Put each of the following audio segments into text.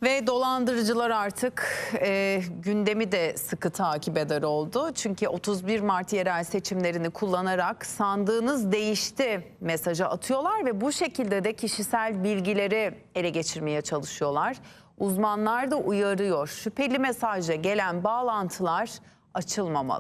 Ve dolandırıcılar artık gündemi de sıkı takip eder oldu. Çünkü 31 Mart yerel seçimlerini kullanarak sandığınız değişti mesajı atıyorlar ve bu şekilde de kişisel bilgileri ele geçirmeye çalışıyorlar. Uzmanlar da uyarıyor. Şüpheli mesajla gelen bağlantılar açılmamalı.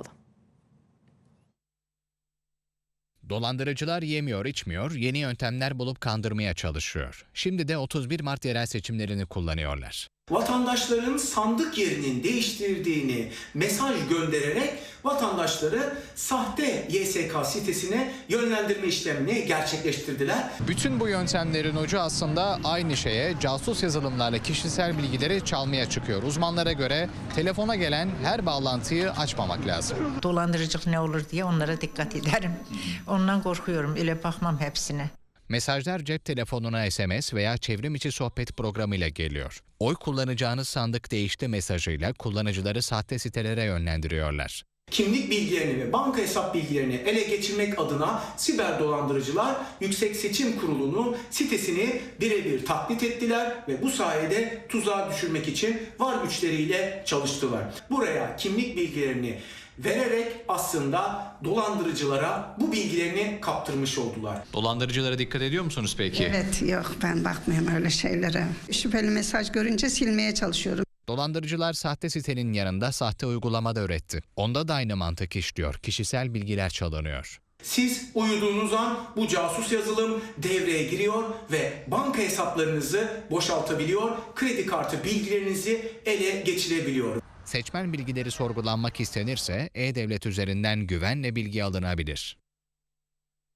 Dolandırıcılar yemiyor, içmiyor, yeni yöntemler bulup kandırmaya çalışıyor. Şimdi de 31 Mart yerel seçimlerini kullanıyorlar. Vatandaşların sandık yerinin değiştirdiğini mesaj göndererek vatandaşları sahte YSK sitesine yönlendirme işlemini gerçekleştirdiler. Bütün bu yöntemlerin ucu aslında aynı şeye, casus yazılımlarla kişisel bilgileri çalmaya çıkıyor. Uzmanlara göre telefona gelen her bağlantıyı açmamak lazım. Dolandırıcılık ne olur diye onlara dikkat ederim. Ondan korkuyorum, öyle bakmam hepsine. Mesajlar cep telefonuna SMS veya çevrim içi sohbet programıyla geliyor. Oy kullanacağınız sandık değişti mesajıyla kullanıcıları sahte sitelere yönlendiriyorlar. Kimlik bilgilerini ve banka hesap bilgilerini ele geçirmek adına siber dolandırıcılar Yüksek Seçim Kurulu'nun sitesini birebir taklit ettiler ve bu sayede tuzağa düşürmek için var güçleriyle çalıştılar. Buraya kimlik bilgilerini vererek aslında dolandırıcılara bu bilgilerini kaptırmış oldular. Dolandırıcılara dikkat ediyor musunuz peki? Evet, yok, ben bakmıyorum öyle şeylere. Şüpheli mesaj görünce silmeye çalışıyorum. Dolandırıcılar sahte sitenin yanında sahte uygulama da üretti. Onda da aynı mantık işliyor. Kişisel bilgiler çalınıyor. Siz uyuduğunuz an bu casus yazılım devreye giriyor ve banka hesaplarınızı boşaltabiliyor, kredi kartı bilgilerinizi ele geçirebiliyor. Seçmen bilgileri sorgulanmak istenirse e-devlet üzerinden güvenle bilgi alınabilir.